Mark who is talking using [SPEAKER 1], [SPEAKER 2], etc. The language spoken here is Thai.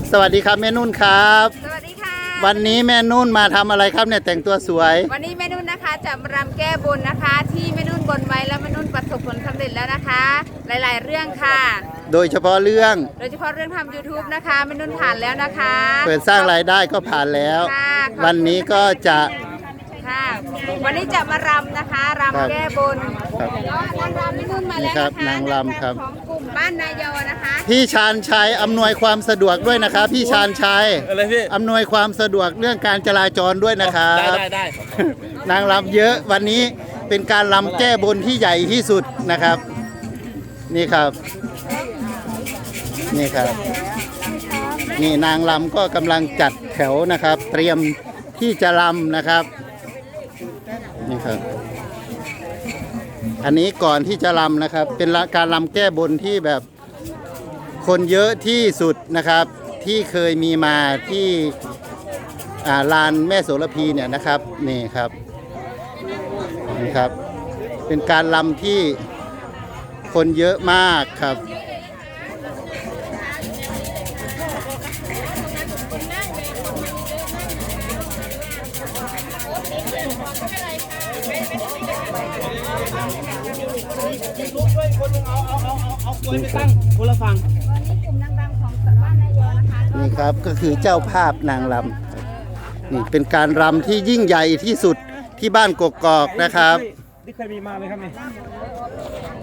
[SPEAKER 1] สวัสดีครับแม่นุ่นครับ
[SPEAKER 2] สวัสดีค่ะ
[SPEAKER 1] วันนี้แม่นุ่นมาทำอะไรครับเนี่ยแต่งตัวสวย
[SPEAKER 2] วันนี้แม่นุ่นนะคะจะมารำแก้บนนะคะ ที่แม่นุ่นบนไว้แล้วแม่นุ่นประสบผลสำเร็จแล้วนะคะ หลายๆเรื่องค่ะ
[SPEAKER 1] โดยเฉพาะเรื่อง
[SPEAKER 2] โดยเฉพาะเรื่องทำ YouTube นะคะแม่นุ่นผ่านแล้วนะคะ
[SPEAKER 1] เปิดสร้างรายได้ก็ผ่านแล้ว
[SPEAKER 2] ค่ะ
[SPEAKER 1] วันนี้ก็จะ
[SPEAKER 2] ค่ะวันนี้จะมารำนะคะ
[SPEAKER 1] ครับ
[SPEAKER 2] รำแก้บน
[SPEAKER 1] ครับ
[SPEAKER 2] นางรำแม่นุ่นมาแล้ว
[SPEAKER 1] นี่ครับ
[SPEAKER 2] นะคะ
[SPEAKER 1] นางรำครับ
[SPEAKER 2] ของกลุ่มบ้านนายอนะคะ
[SPEAKER 1] พี่ชาญชัยอำนวยความสะดวกด้วยนะครับพี่ชาญชัย
[SPEAKER 3] อะไรพี่
[SPEAKER 1] อำนวยความสะดวกเรื่องการจราจรด้วยนะครับ
[SPEAKER 3] ได้
[SPEAKER 1] นางรำเยอะวันนี้เป็นการรำแก้บนที่ใหญ่ที่สุดนะครับ นี่ครับ นี่ครับ นี่นางรำก็กำลังจัดแถวนะครับ เตรียมที่จะรำนะครับนี่ครับ อันนี้ก่อนที่จะรำนะครับ เป็นการรำแก้บนที่แบบคนเยอะที่สุดนะครับ ที่เคยมีมาที่ลานแม่โสระพีเนี่ยนะครับนี่ครับนี่ครับ เป็นการรำที่คนเยอะมากครับ
[SPEAKER 3] เอากล้วยไปตั้งคนละฝั่ง
[SPEAKER 2] วันนี้กลุ่มนางรำของบ้านนายอนะคะ
[SPEAKER 1] นี่ครับก็คือเจ้าภาพนางรำนี่เป็นการรำที่ยิ่งใหญ่ที่สุดที่บ้านกกอกนะครับ
[SPEAKER 3] นี่เคยมีมาไหมครับนี่